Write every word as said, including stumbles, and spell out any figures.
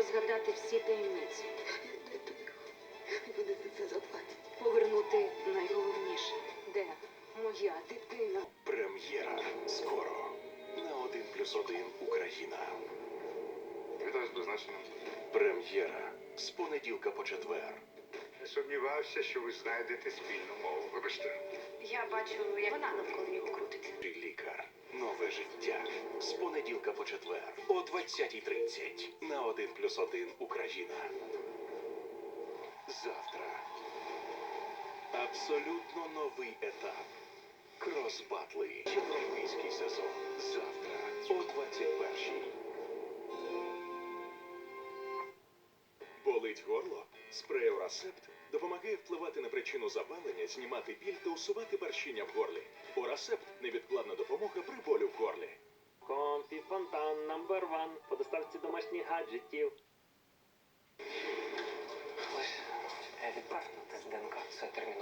розгадати всі таємниці. Де тобі? Вони за це заплатять. Повернути найголовніше. Де моя дитина? Прем'єра скоро на один плюс один Україна. Вітаю з призначенням. Прем'єра з понеділка по четвер. Не сумнівався, що ви знайдете спільну мову. Вибачте. Я бачу, як вона навколо нього крутиться. Лікар. Нове життя. З понеділка по четвер о двадцятій тридцять на один плюс один Україна. Завтра. Абсолютно новий етап. Кросбатли. Європейський сезон. Завтра о двадцять першій. Болить горло? Спрей Орасепт допомагає впливати на причину запалення, знімати біль та усувати першіння в горлі. Орасепт – невідкладна допомога при болю в горлі. Комфі Фонтан номер ван по доставці домашніх гаджетів. Лиш відпахнути з ДНК. Це терміново.